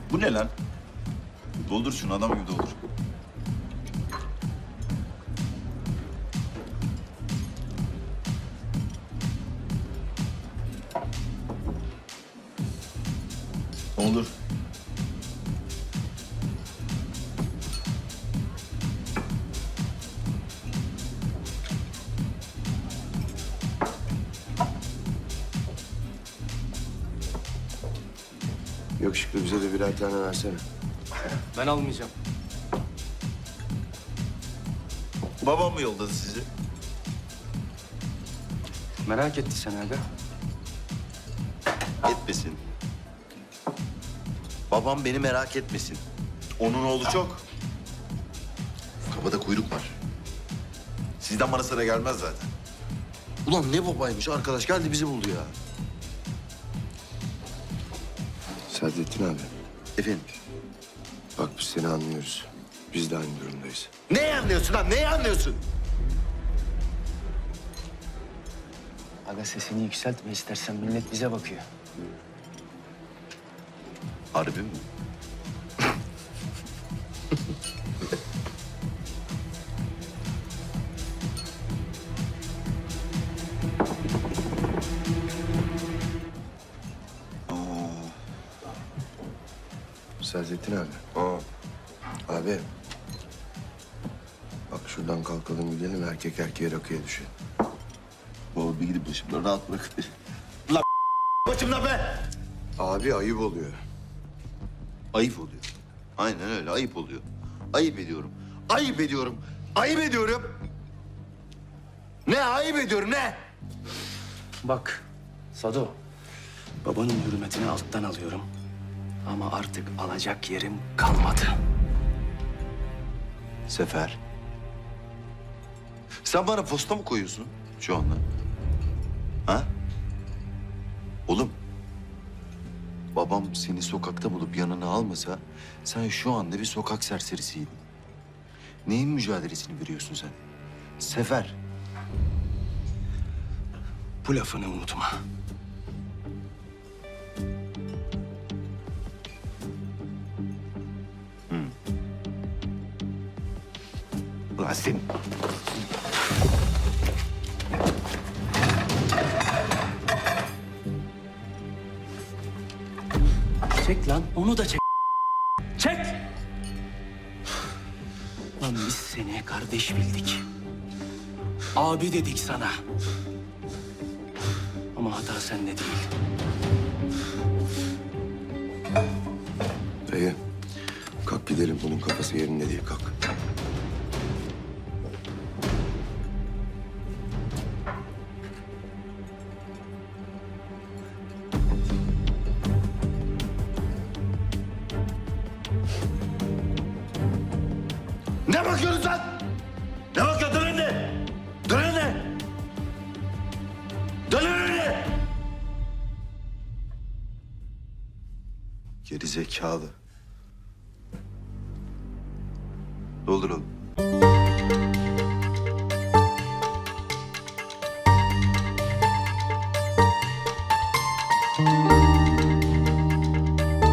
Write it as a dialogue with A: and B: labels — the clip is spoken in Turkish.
A: Bu ne lan? Doldur şunu, adam gibi doldur. Doldur.
B: Yakışıklı bize de birer tane versene.
C: Ben almayacağım.
A: Babam mı yolladı sizi?
C: Merak etti seni aga.
A: Etmesin. Babam beni merak etmesin. Onun oğlu çok. Kafada kuyruk var. Sizden bana sıra gelmez zaten.
B: Ulan ne babaymış arkadaş geldi bizi buldu ya. Sadrettin abi.
A: Efendim?
B: Bak biz seni anlıyoruz. Biz de aynı durumdayız.
A: Neyi anlıyorsun lan? Neyi anlıyorsun?
C: Aga sesini yükseltme istersen, millet bize bakıyor.
A: Harbi mi?
B: Sadrettin abi. Abi. Bak şuradan kalkalım gidelim erkek erkeğe rakıya düşelim.
A: Baba bir gidip başımdan rahat bırak. Lan başımdan be!
B: Abi ayıp oluyor.
A: Ayıp oluyor. Aynen öyle, ayıp oluyor. Ayıp ediyorum. Ayıp ediyorum. Ayıp ediyorum. Ne ayıp ediyorum ne?
C: Bak Sado, babanın hürmetini alttan alıyorum. Ama artık alacak yerim kalmadı.
A: Sefer. Sen bana posta mı koyuyorsun şu anda? Ha? Oğlum. Babam seni sokakta bulup yanına almasa sen şu anda bir sokak serserisiydin. Neyin mücadelesini veriyorsun sen? Sefer.
C: Bu lafını unutma.
A: Ulan sen...
C: Çek lan, onu da çek. Çek! Lan biz seni kardeş bildik. Abi dedik sana. Ama hata sende değil.
B: Dayı kalk gidelim bunun kafası yerinde değil kalk.
A: Ne bakıyorsun sen? Ne bakıyorsun? Dön önüne! Dön önüne! Dön önüne! Geri zekalı. Doldur oğlum.